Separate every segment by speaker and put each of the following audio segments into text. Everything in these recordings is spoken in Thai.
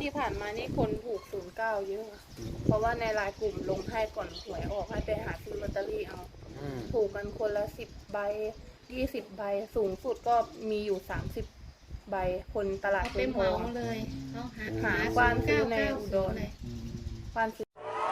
Speaker 1: ที่ผ่านมานี่คนถูก09เยอะเพราะว่าในไลน์กลุ่มลงให้ก่อนหวยออกให้ไปหาซื้อลอตเตอรี่เอาถูกกันคนละ10 ใบ20 ใบสูงสุดก็มีอยู่30 ใบคนตลาด
Speaker 2: เต็มเหมาเลยเขาหา
Speaker 1: ควานซื้อในอุดรควานซื้อ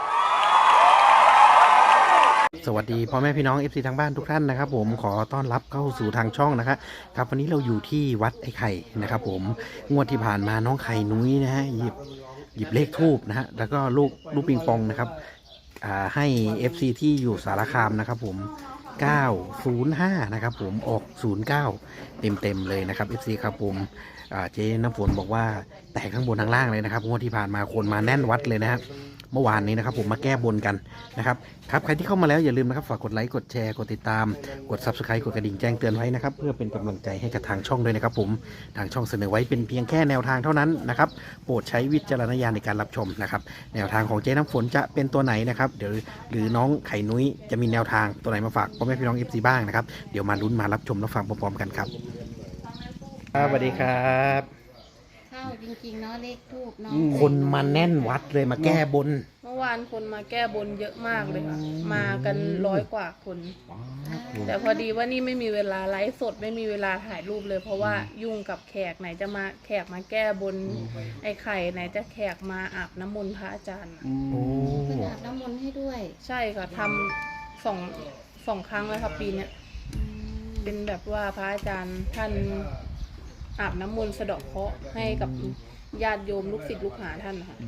Speaker 3: สวัสดีพ่อแม่พี่น้อง FC ทางบ้านทุกท่านนะครับผมขอต้อนรับเข้าสู่ทางช่องนะครับวันนี้เราอยู่ที่วัดไอ้ไข่นะครับผมงวดที่ผ่านมาน้องไข่นุ้ยนะฮะหยิบเลขทูบนะฮะแล้วก็ลูกปิงปองนะครับให้ FC ที่อยู่สารคามนะครับผม905นะครับผมออก09เต็มเลยนะครับ FC ครับผมเจ๊น้ำฝนบอกว่าแตกข้างบนข้างล่างเลยนะครับงวดที่ผ่านมาคนมาแน่นวัดเลยนะครับเมื่อวานนี้นะครับผมมาแก้บนกันนะครับใครที่เข้ามาแล้วอย่าลืมนะครับฝากกดไลค์กดแชร์กดติดตามกด Subscribe กดกระดิ่งแจ้งเตือนไว้นะครับเพื่อเป็นกำลังใจให้กับทางช่องด้วยนะครับผมทางช่องเสนอไว้เป็นเพียงแค่แนวทางเท่านั้นนะครับโปรดใช้วิจารณญาณในการรับชมนะครับแนวทางของเจ๊น้ำฝนจะเป็นตัวไหนนะครับเดี๋ยวหรือน้องไข่นุ้ยจะมีแนวทางตัวไหนมาฝากพ่อแม่พี่น้อง FC บ้างนะครับเดี๋ยวมาลุ้นมารับชมรับฟังพร้อมๆกันครับสวัสดีครับ
Speaker 2: เข้าจริงๆเนาะเลขทูบเนาะ
Speaker 3: คนมาแน่นวัดเลยมาแก้บน
Speaker 1: เมื่อวานคนมาแก้บนเยอะมากเลยค่ะมากัน100 กว่าคนแต่พอดีว่านี่ไม่มีเวลาไลฟ์สดไม่มีเวลาถ่ายรูปเลยเพราะว่ายุ่งกับแขกไหนจะมาแขกมาแก้บนไอ้ไข่ไหนจะแขกมาอาบน้ำมนต์พระอาจารย์
Speaker 2: อาบน้ำมนต์ให้ด้วย
Speaker 1: ใช่ค่ะทำสองครั้งแล้วครับปีนี้เป็นแบบว่าพระอาจารย์ท่านอาบน้ำมนต์สะเดาะเคราะห์ให้กับญาติโยมลูกศิษย์ลูกหาท่านค่ะ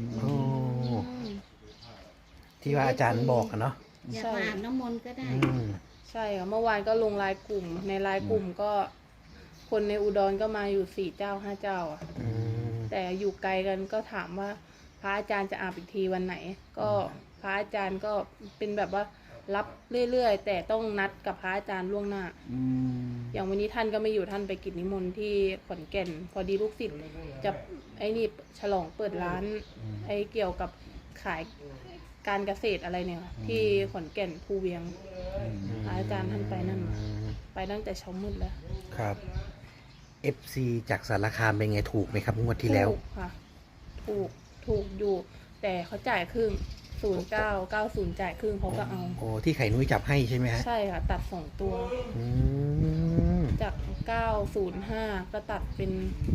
Speaker 3: ที่ว่าอาจารย์บอกเนาะ
Speaker 2: อยากมาอาบน้ำมนต์ก็ได้
Speaker 1: ใช่ค่ะเมื่อวานก็ลงไลน์กลุ่มในไลน์กลุ่มก็คนในอุดรก็มาอยู่4 เจ้า5 เจ้าอ่ะแต่อยู่ไกลกันก็ถามว่าพระอาจารย์จะอาบอีกทีวันไหนก็พระอาจารย์ก็เป็นแบบว่ารับเรื่อยๆแต่ต้องนัดกับพระอาจารย์ล่วงหน้าอย่างวันนี้ท่านก็ไม่อยู่ท่านไปกิจนิมนต์ที่ขอนแก่นพอดีลูกศิษย์จะไอ้นี่ฉลองเปิดร้านไอ้เกี่ยวกับขายการเกษตรอะไรเนี่ยที่ขอนแก่นภูเวียงพระอาจารย์ท่านไปนั่นมาไปตั้งแต่เช้ามืดแล้ว
Speaker 3: ครับ FC จากสารคามเป็นไงถูกไหมครับงวดที่แล้ว
Speaker 1: ถูกค่ะถูกอยู่แต่เขาจ่ายครึ่ง0990จ่ายครึ่งเขาก็เอา
Speaker 3: โอ้ที่ไข่นุ้ยจับให้ใช่ไหมฮะ
Speaker 1: ใช่ค่ะตัด2 ตัวจาก905ก็ตัดเป็น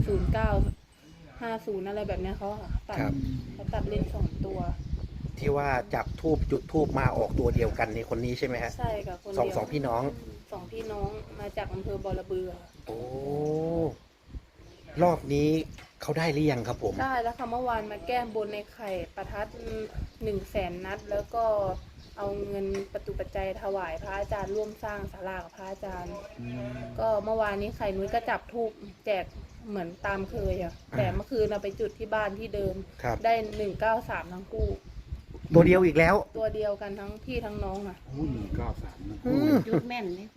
Speaker 1: 0950อะไรแบบนี้เขาตัดเล่น2 ตัว
Speaker 3: ที่ว่าจับทูบจุดทูบมาออกตัวเดียวกันในคนนี้ใช่ไหมฮะ
Speaker 1: ใช่ค่ะคนเดียว
Speaker 3: สองพี่น้อง
Speaker 1: มาจากอำเภอบอระเบือ
Speaker 3: โอ้รอบนี้เขาได้หรือยังครับผม
Speaker 1: ได้แล้วค่ะเมื่อวานมาแก้บนในไข่ประทัด100,000 นัดแล้วก็เอาเงินประตูปัจจัยถวายพระอาจารย์ร่วมสร้างศาลากับพระอาจารย์ก็เมื่อวานนี้ไข่นุ้ยก็จับทูบแจกเหมือนตามเคยอ่ะแต่เมื่อคืนเราไปจุดที่บ้านที่เดิมได้193ทั้งคู่
Speaker 3: ตัวเดียวอีกแล้ว
Speaker 1: ตัวเดียวกันทั้งพี่ทั้งน้องอ่ะ
Speaker 2: จุดแม่นเลย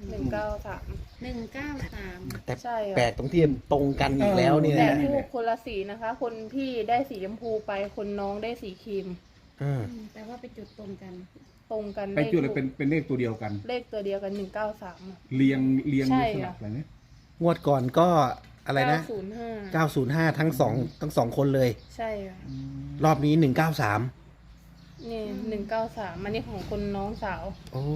Speaker 1: 193
Speaker 3: แต่แปลกตรงที่ตรงกันอีกแล้วเนี่ย
Speaker 1: แต่ทูบคนละสีนะคะคนพี่ได้สีชมพูไปคนน้องได้สีครีม
Speaker 2: แต่ว่าไปจุดตรงกัน
Speaker 4: ไปจุดเลยเป็นเลขตัวเดียวกัน
Speaker 1: เลขตัวเดียวกัน193
Speaker 4: เรียงสลับอะไรเนี่ย
Speaker 3: งวดก่อนก็อะไรนะ905ทั้งสองคนเลย
Speaker 1: ใช่ค่ะ
Speaker 3: รอบนี้193
Speaker 1: นี่193อันนี้ของคนน้องสาว
Speaker 3: โอ้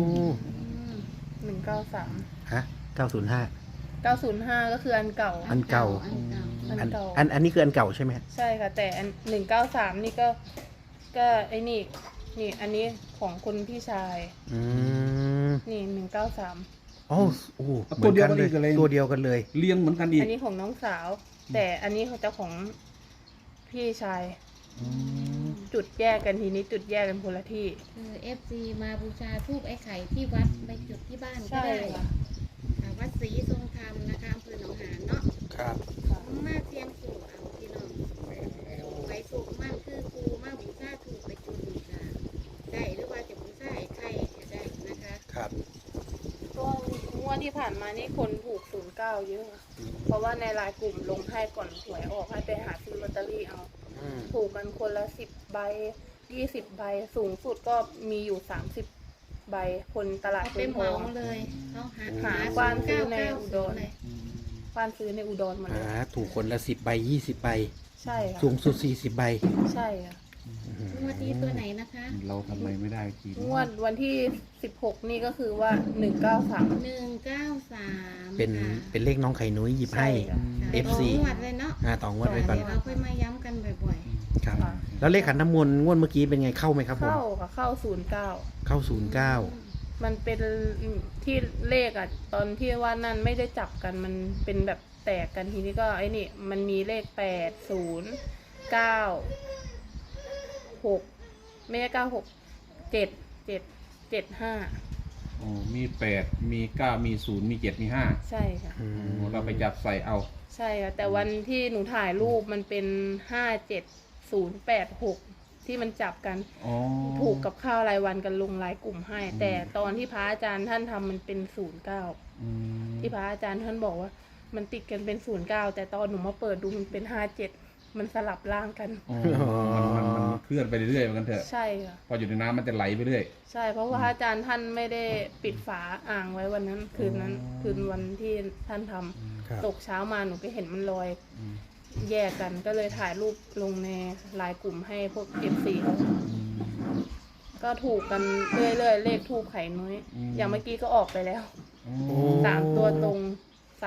Speaker 1: 193
Speaker 3: ฮะ905
Speaker 1: ก็คืออันเก่า
Speaker 3: อันนี้คืออันเก่าใช่ไหม
Speaker 1: ใช่ค่ะแต่อัน193นี่ก็ไอ้นี่อันนี้ของคนพี่ชายนี่193
Speaker 3: โอ้ตัวเดียวกันเลย
Speaker 4: เรียงเหมือนกันอีก
Speaker 1: อันนี้ของน้องสาวแต่อันนี้ของเจ้าของพี่ชายจุดแยกกันทีนี้จุดแยกกันคนละที่
Speaker 2: FC มาบูชาธูปไอ้ไข่ที่วัดไปจุดที่บ้านก็ได้วัดศรีทรงธรรมนะคะอำเภอหนองหานเนาะ
Speaker 3: ครับ
Speaker 2: มาเสียงสูงเอาพี่น้องไปสูงมากคือครูมาบูชาถูกไปจุดบูชาได้หรือว่าจะบูชาไอ้ไข่จะได้นะคะ
Speaker 3: ครับ
Speaker 1: ก็งวดที่ผ่านมานี่คนถูก09เยอะเพราะว่าในไลน์กลุ่มลงให้ก่อนหวยออกให้ไปหาซื้อลอตเตอรี่เอาถูกกันคนละ10 ใบ20 ใบสูงสุดก็มีอยู่30 ใบคนตลาด
Speaker 2: เต็มเหมาเลยเขาหา
Speaker 1: ควานซื้อในอุดรควานซื้อในอุดรมาเลย
Speaker 3: ถูกคนละ10 ใบ20 ใบ
Speaker 1: ใช่ค่ะ
Speaker 3: สูงสุด40ใบ
Speaker 1: ใช่ค่ะ
Speaker 2: งวดนี้ตัวไหนนะคะ
Speaker 4: เราทำอะไรไม่ได้ที
Speaker 1: งวดวันที่16นี่ก็คือว่า193
Speaker 2: 193
Speaker 3: เป็นเลขน้องไข่นุ้ยหยิบให้
Speaker 1: ใช่ค่ะ
Speaker 3: FC
Speaker 2: งวดเลยเนาะ
Speaker 3: ต่องวดไว้ก่อน
Speaker 2: เดี๋ยวเราค่อยมาย้ำกันบ่อย
Speaker 3: ครับ
Speaker 1: ค่ะ
Speaker 3: แล้วเลขขันน้ำมนต์งวดเมื่อกี้เป็นไงเข้าไหมครับผม
Speaker 1: เข้าค่ะเข้า
Speaker 3: เข้า
Speaker 1: 09มันเป็นที่เลขอ่ะตอนที่ว่านั่นไม่ได้จับกันมันเป็นแบบแตกกันทีนี้ก็ไอ้นี่มันมีเลข8 0 9 6ไม่ใช่96 7 5
Speaker 4: อ๋อมี8มี9มี0มี7มี5
Speaker 1: ใช่ค่ะ
Speaker 3: อืม
Speaker 4: เราไปจับใส่เอา
Speaker 1: ใช่ค่ะแต่วันที่หนูถ่ายรูปมันเป็น57086ที่มันจับกัน
Speaker 4: อ๋อ
Speaker 1: ถูกกับข้าวรายวันกันลงรายกลุ่มให้ แต่ตอนที่พระอาจารย์ท่านทำมันเป็น09
Speaker 4: อืม
Speaker 1: ที่พระอาจารย์ท่านบอกว่า มันติดกันเป็น09แต่ตอนหนูมาเปิดดูมันเป็น57มันสลับร่างกัน
Speaker 4: อ๋อมันเคลื่อนไปเรื่อยๆเหมือนกันเถอะ
Speaker 1: ใช่ค่ะ
Speaker 4: พออยู่ในน้ำมันจะไหลไปเรื่อย
Speaker 1: ใช่เพราะว่าพระอาจารย์ท่านไม่ได้ปิดฝาอ่างไว้วันนั้นคืนนั้น
Speaker 4: อ๋อ
Speaker 1: คืนวันที่ท่านทำ
Speaker 3: ครับ
Speaker 1: ตกเช้ามาหนูก็เห็นมันลอย
Speaker 4: อืม
Speaker 1: แยกกันก็เลยถ่ายรูปลงในไลน์กลุ่มให้พวก FC เขาก็ถูกกันเรื่อยๆเลขทูบไข่น้อย อย่างเมื่อกี้ก็ออกไปแล้ว
Speaker 4: อ๋อ
Speaker 3: โอ้
Speaker 1: 3 ตัวตรง 325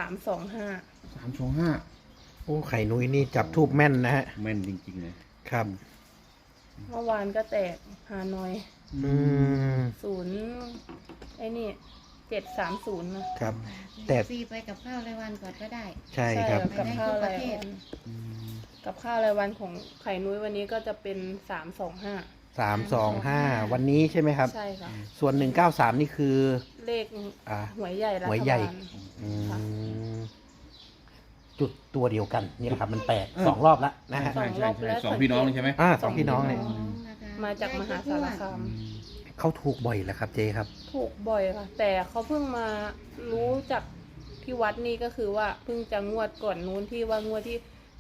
Speaker 4: 325
Speaker 3: โอ้ไข่นุ้ยนี่จับทูบแม่นนะฮะ
Speaker 4: แม่นจริงๆเลย
Speaker 3: ครับ
Speaker 1: เมื่อวานก็แตกฮานอย
Speaker 3: อืม
Speaker 1: 0ไอ้นี่730นะครับ
Speaker 2: ๆ
Speaker 3: แต่
Speaker 2: ซีไปกับข้าวรายวันก่อนก็ได้
Speaker 3: ใช่ครับ
Speaker 1: กับข้าว
Speaker 2: ไป
Speaker 1: ราย
Speaker 2: ได้ทุกประเทศ
Speaker 1: วันกับข้าวรายวันของไข่นุ้ยวันนี้ก็จะเป็น325
Speaker 3: 325วันนี้ใช่ไหมครับ
Speaker 1: ใช่ค่ะ
Speaker 3: ส่วน193นี่คือ
Speaker 1: เลข
Speaker 3: อ่า
Speaker 1: หวยใหญ่รัฐ
Speaker 3: หวยใหญ่
Speaker 1: บาล
Speaker 3: อื
Speaker 1: ค่ะ
Speaker 3: มจุดตัวเดียวกันนี่แหละครับ มันแปลก2 รอบแล้วนะฮะ
Speaker 4: ใช่ใช่ใช่สองพี่น้องเลยใช่ไหม
Speaker 3: สองพี่น้องเนี่ย
Speaker 2: นะคะ
Speaker 1: มาจากมหาสารคาม
Speaker 3: เขาถูกบ่อยแล้วครับเจครับ
Speaker 1: ถูกบ่อยค่ะ แต่เขาเพิ่งมารู้จากที่วัดนี่ก็คือว่าเพิ่งจะงวดก่อนนู้นที่ว่างวดที่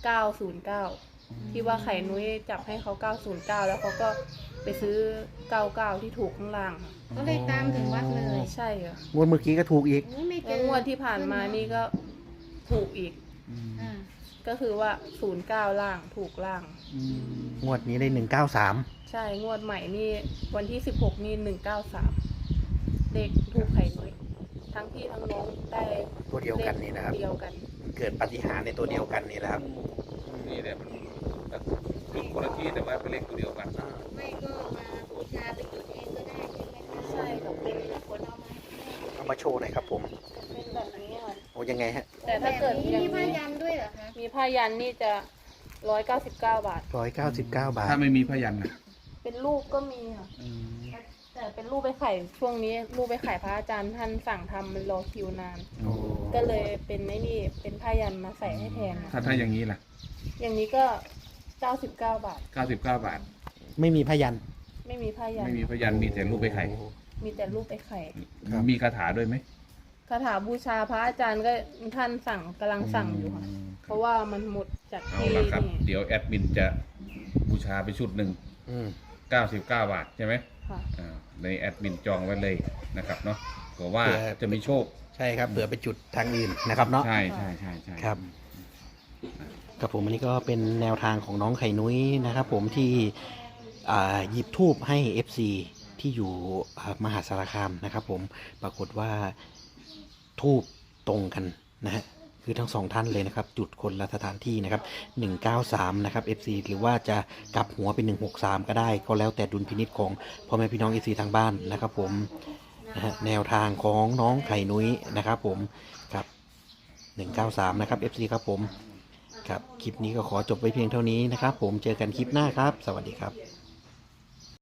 Speaker 1: 909 ที่ว่าไข่นุ้ยจับให้เขา 909 แล้วเขาก็ไปซื้อ 99 ที่ถูกข้างล่างค่ะ
Speaker 2: ก็เลยตามถึงวัดเลย
Speaker 1: ใช่ค่ะ
Speaker 3: งวดเมื่อกี้ก็ถูกอีก
Speaker 2: โอ้ยไม่เจ
Speaker 1: แล้ว
Speaker 2: อง
Speaker 1: วดที่ผ่านมานี่ก็ถูกอีก
Speaker 2: อ่า
Speaker 1: ก็คือว่า 09 ล่างถูกล่าง
Speaker 3: งวดนี้ได้193
Speaker 1: ใช่งวดใหม่นี่วันที่ 16 นี่ 193 เลขถูกไข่นุ้ยทั้งพี่ทั้งน้องได้
Speaker 3: ตัวเดียวกันนี่นะครับ
Speaker 1: เดียวกัน
Speaker 3: เกิดปาฏิหาริย์ในตัวเดียวกันนี่แหละครับ
Speaker 4: นี่แหละมันจุดคนละที่แต่ว่าเป็นเลขตัวเดียวกัน
Speaker 2: ไม่ก็มาบูชาไปจุดเองก็ได้ใช่ไหมคะ
Speaker 1: ใช่ค่ะเป็น
Speaker 2: คนเอามาให้
Speaker 3: เอามาโชว์หน่อยครับผม
Speaker 1: เป็นแบบนี้ค่ะ
Speaker 3: โอ้ยังไงฮะ
Speaker 1: แต่ถ้าเกิด
Speaker 2: แบบ
Speaker 1: อย่า
Speaker 2: นี้
Speaker 1: ง
Speaker 2: มีผ้า
Speaker 1: นี้
Speaker 2: ยันด้วยเหรอคะ
Speaker 1: มีผ้ายันนี่จะ199 บาท
Speaker 3: 199 บาท
Speaker 4: ถ้าไม่มีพยันนะ
Speaker 1: เป็นรูปก็มีค่ะ แต่เป็นรูปไปไข่ช่วงนี้รูปไปไข่พระอาจารย์ท่านสั่งทำมันรอคิวนาน
Speaker 3: โอ้
Speaker 1: ก็เลยเป็นไอ้นี่เป็นผ้ายันมาใส่ให้แทนค่ะ
Speaker 4: ถ้าอย่างนี้ล่ะ
Speaker 1: อย่างนี้ก็99 บาท
Speaker 4: 99 บาท
Speaker 3: ไม่มีพยัน
Speaker 1: ไม่มีผ้ายัน
Speaker 4: ไม่มีพยันมีแต่รูปไปไข่
Speaker 1: มีแต่รูปไปไข่
Speaker 3: ครับ
Speaker 4: มีคาถาด้วยไหม
Speaker 1: คาถาบูชาพระอาจารย์ก็ท่านสั่งกำลังสั่งอยู่ค่ะ เพราะว่ามันหมดจาก
Speaker 4: เอา
Speaker 1: ที่
Speaker 4: ละครับ
Speaker 1: นี่
Speaker 4: เดี๋ยวแอดมินจะบูชาไปชุดหนึ่ง
Speaker 3: อืม
Speaker 4: 99 บาทใช่ไหม
Speaker 1: ค่ะ
Speaker 4: ในแอดมินจองไว้เลยนะครับเนาะเพราะว่าจะมีโชค
Speaker 3: ใช่ครับเผื่อไปจุดทางอื่นนะครับเนาะ
Speaker 4: ใช่ใช่ใช่ใช่
Speaker 3: ครับ กับผมอันนี้ก็เป็นแนวทางของน้องไข่นุ้ยนะครับผมที่หยิบทูบให้ FC ที่อยู่มหาสารคามนะครับผมปรากฏว่าทูบตรงกันนะฮะคือทั้งสองท่านเลยนะครับ จุดคนละสถานที่นะครับ193นะครับ FC หรือว่าจะกลับหัวเป็น163ก็ได้ ก็แล้วแต่ดุลพินิจของพ่อแม่พี่น้อง FC ทางบ้านนะครับผมนะฮะแนวทางของน้องไข่นุ้ยนะครับผมครับ193นะครับ FC ครับผมครับคลิปนี้ก็ขอจบไว้เพียงเท่านี้นะครับผมเจอกันคลิปหน้าครับ สวัสดีครับ